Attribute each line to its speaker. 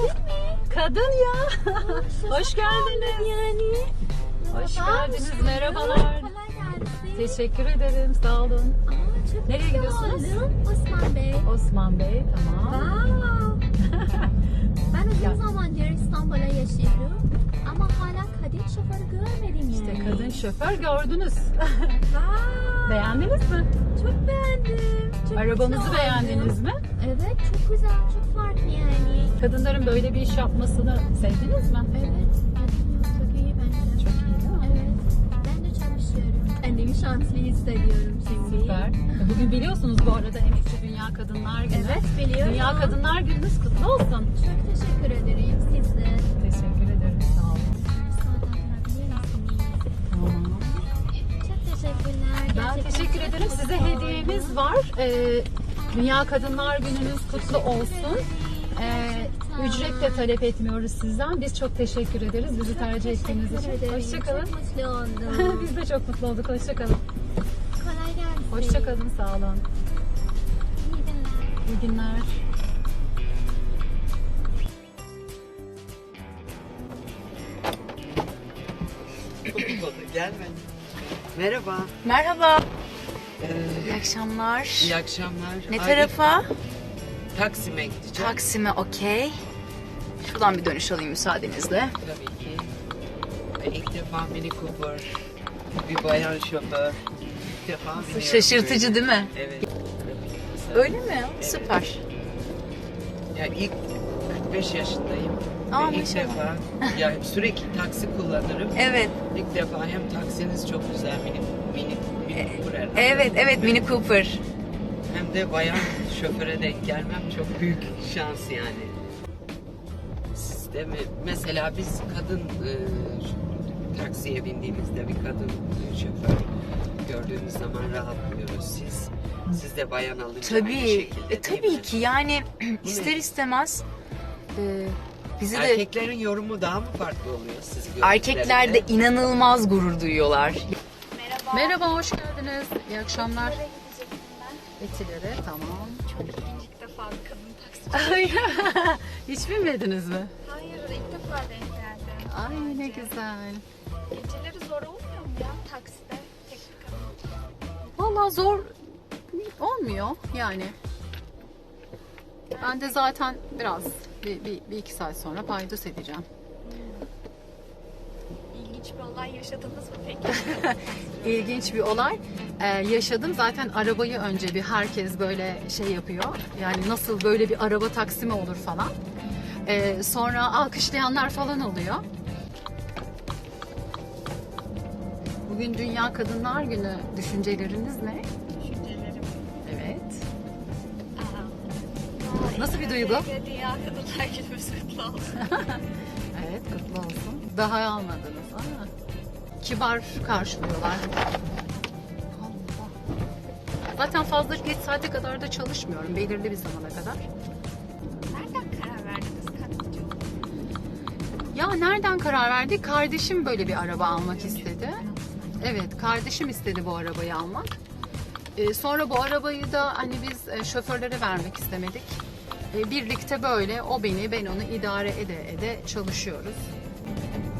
Speaker 1: Kadın ya. Hoş geldiniz.
Speaker 2: Yani.
Speaker 1: Hoş geldiniz. Merhabalar.
Speaker 2: Kolay gelsin.
Speaker 1: Teşekkür ederim. Sağ olun.
Speaker 2: Çok
Speaker 1: Nereye
Speaker 2: mutlu
Speaker 1: gidiyorsunuz?
Speaker 2: oldum. Osman Bey.
Speaker 1: Osman Bey. Tamam.
Speaker 2: Wow. Ben uzun zamandır İstanbul'a yaşıyorum. Ama hala kadın şoförü görmedim yani.
Speaker 1: İşte kadın şoför gördünüz.
Speaker 2: Wow.
Speaker 1: Beğendiniz mi?
Speaker 2: Çok beğendim. Çok
Speaker 1: Arabamızı
Speaker 2: mutlu
Speaker 1: beğendiniz
Speaker 2: oldum.
Speaker 1: mi?
Speaker 2: Evet, çok güzel, çok farklı yani.
Speaker 1: Kadınların böyle bir iş yapmasını sevdiniz mi?
Speaker 2: Evet, çok iyi bence.
Speaker 1: Çok iyi değil mi?
Speaker 2: Evet, ben de çalışıyorum. Kendimi şanslı hissediyorum şimdi.
Speaker 1: Süper. Bugün biliyorsunuz bu arada Emekçi Dünya Kadınlar Günü.
Speaker 2: Evet, biliyorum.
Speaker 1: Dünya Kadınlar Gününüz kutlu olsun.
Speaker 2: Çok teşekkür ederim siz de.
Speaker 1: Teşekkür ederim. Sağ olun.
Speaker 2: Sonra bırakabilir misiniz?
Speaker 1: Tamam.
Speaker 2: Çok teşekkürler.
Speaker 1: Ben
Speaker 2: Gerçekten
Speaker 1: teşekkür
Speaker 2: çok
Speaker 1: ederim. Size
Speaker 2: mutlu
Speaker 1: hediyemiz
Speaker 2: oldum.
Speaker 1: var. Dünya Kadınlar Gününüz kutlu olsun. Ücret de talep etmiyoruz sizden. Biz çok teşekkür ederiz. Bizi tercih ettiğiniz
Speaker 2: Teşekkür
Speaker 1: için.
Speaker 2: ederim.
Speaker 1: Hoşçakalın.
Speaker 2: Çok mutlu oldum.
Speaker 1: Biz de çok mutlu olduk. Hoşçakalın.
Speaker 2: Kolay gelsin.
Speaker 1: Hoşçakalın. Sağ olun.
Speaker 2: İyi günler.
Speaker 1: İyi günler.
Speaker 3: Gelme. Merhaba.
Speaker 4: Merhaba.
Speaker 3: Ee,
Speaker 4: İyi akşamlar.
Speaker 3: iyi akşamlar.
Speaker 4: Ne
Speaker 3: Ay,
Speaker 4: tarafa?
Speaker 3: Taksim'e gideceğim.
Speaker 4: Taksim'e, okey. Şuradan bir dönüş alayım müsaadenizle.
Speaker 3: Tabii ki. İlk defa Mini Cooper, bir bayan şoför. İlk defa biniyorum
Speaker 4: Şaşırtıcı
Speaker 3: böyle.
Speaker 4: değil mi?
Speaker 3: Evet.
Speaker 4: Öyle mi?
Speaker 3: Evet.
Speaker 4: Süper.
Speaker 3: Yani ilk 45 yaşındayım.
Speaker 4: Aa,
Speaker 3: Ve ilk
Speaker 4: maşallah.
Speaker 3: defa yani sürekli taksi kullanırım.
Speaker 4: Evet.
Speaker 3: İlk defa hem taksiniz çok güzel Mini Cooper herhalde.
Speaker 4: Evet, Mini Cooper.
Speaker 3: Hem de bayan şoföre denk gelmem çok büyük şans yani. Siz de mi? Mesela biz kadın taksiye bindiğimizde bir kadın şoför gördüğümüz zaman rahatlıyoruz. Siz de bayan alınca aynı
Speaker 4: Tabii.
Speaker 3: şekilde değil
Speaker 4: Tabii
Speaker 3: mi?
Speaker 4: ki yani ister istemez bizi de
Speaker 3: Erkeklerin yorumu daha mı farklı oluyor siz gördüklerinde?
Speaker 4: erkekler de inanılmaz gurur duyuyorlar.
Speaker 1: Merhaba, hoş geldiniz. İyi akşamlar. Etilere, tamam.
Speaker 5: İlk defa bir kadın taksi.
Speaker 1: Hiç binmediniz mi?
Speaker 5: Hayır, ilk defa denk geldim.
Speaker 1: Ay ne güzel.
Speaker 5: Geceleri zor olmuyor mu ya takside? Tek bir kadın.
Speaker 1: Vallahi zor olmuyor yani. Ben de zaten biraz bir iki saat sonra paydos edeceğim.
Speaker 5: İlginç bir olay yaşadınız mı peki?
Speaker 1: İlginç bir olay yaşadım. Zaten arabayı önce bir herkes böyle şey yapıyor. Yani nasıl böyle bir araba taksi mi olur falan. Sonra alkışlayanlar falan oluyor. Bugün Dünya Kadınlar Günü. Düşünceleriniz ne?
Speaker 5: Düşüncelerim.
Speaker 1: Evet. Nasıl bir duygu?
Speaker 5: Dünya Kadınlar Günümüz kutlu olsun.
Speaker 1: Evet, kutlu olsun. Daha almadınız ama kibar karşılıyorlar. Allah. Zaten fazla geç saate kadar da çalışmıyorum. Belirli bir zamana kadar.
Speaker 5: Nereden karar verdiniz kadınca?
Speaker 1: Ya nereden karar verdik? Kardeşim böyle bir araba almak istedi. Evet, kardeşim istedi bu arabayı almak. Sonra bu arabayı da hani biz şoförlere vermek istemedik. Birlikte böyle o beni, ben onu idare ede ede çalışıyoruz.